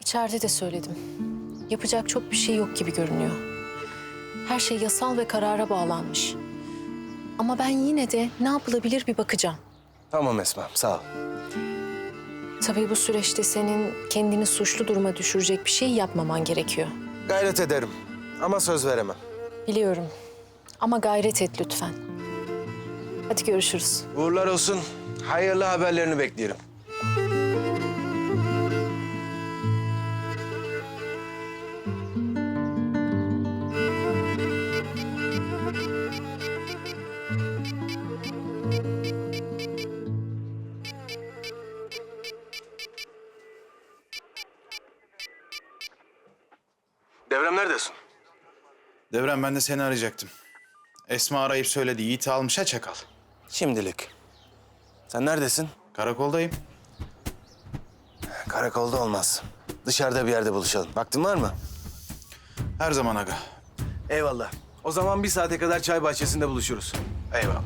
İçeride de söyledim. Yapacak çok bir şey yok gibi görünüyor. Her şey yasal ve karara bağlanmış. Ama ben yine de ne yapılabilir bir bakacağım. Tamam Esma, sağ ol. Tabii bu süreçte senin kendini suçlu duruma düşürecek bir şey yapmaman gerekiyor. Gayret ederim ama söz veremem. Biliyorum. Ama gayret et lütfen. Hadi görüşürüz. Uğurlar olsun. Hayırlı haberlerini bekliyorum. Devrem neredesin? Devrem, ben de seni arayacaktım. Esma arayıp söyledi. Yiğit'i almış ha çakal. Şimdilik. Sen neredesin? Karakoldayım. Karakolda olmaz. Dışarıda bir yerde buluşalım. Vaktin var mı? Her zaman aga. Eyvallah. O zaman bir saate kadar çay bahçesinde buluşuruz. Eyvallah.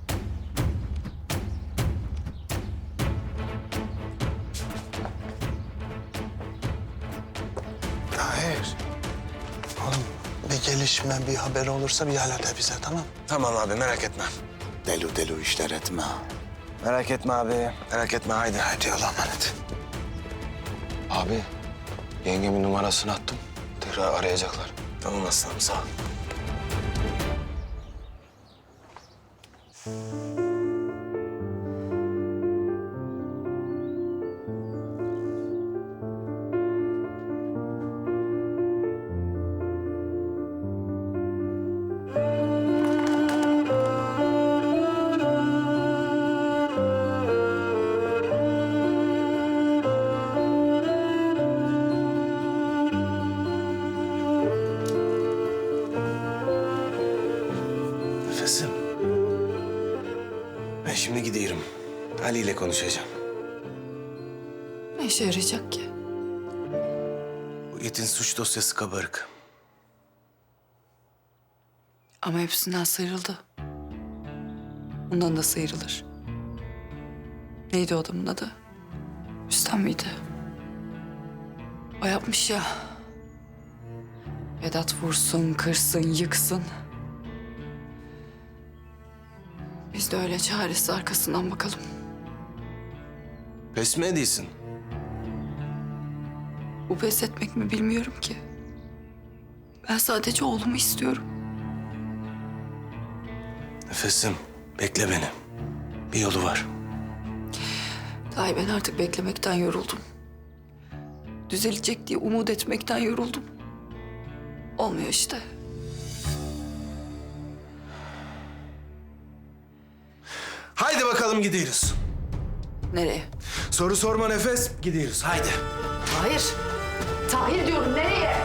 Hayır. Oğlum bir gelişme, bir haber olursa bir hala de bize, tamam? Tamam abi, merak etme. Delu işler etme. Merak etme abi, merak etme. Haydi. Hadi Allah'a emanet. Abi, yengemin numarasını attım. Tekrar arayacaklar. Tamam aslanım, sağ ol. Nefesim. Ben şimdi gidiyorum. Ali ile konuşacağım. Ne işe yarayacak ki? Bu itin suç dosyası kabarık. Ama hepsinden sıyrıldı. Ondan da sıyrılır. Neydi o adamın adı? Rüstem miydi? O yapmış ya. Vedat vursun, kırsın, yıksın. Biz de öyle çaresiz arkasından bakalım. Pes mi ediyorsun? Bu pes etmek mi bilmiyorum ki. Ben sadece oğlumu istiyorum. Nefesim, bekle beni. Bir yolu var. Dahi ben artık beklemekten yoruldum. Düzelecek diye umut etmekten yoruldum. Olmuyor işte. Haydi bakalım, gidiyoruz. Nereye? Soru sorma Nefes, gidiyoruz. Haydi. Hayır. Tahir diyorum, nereye?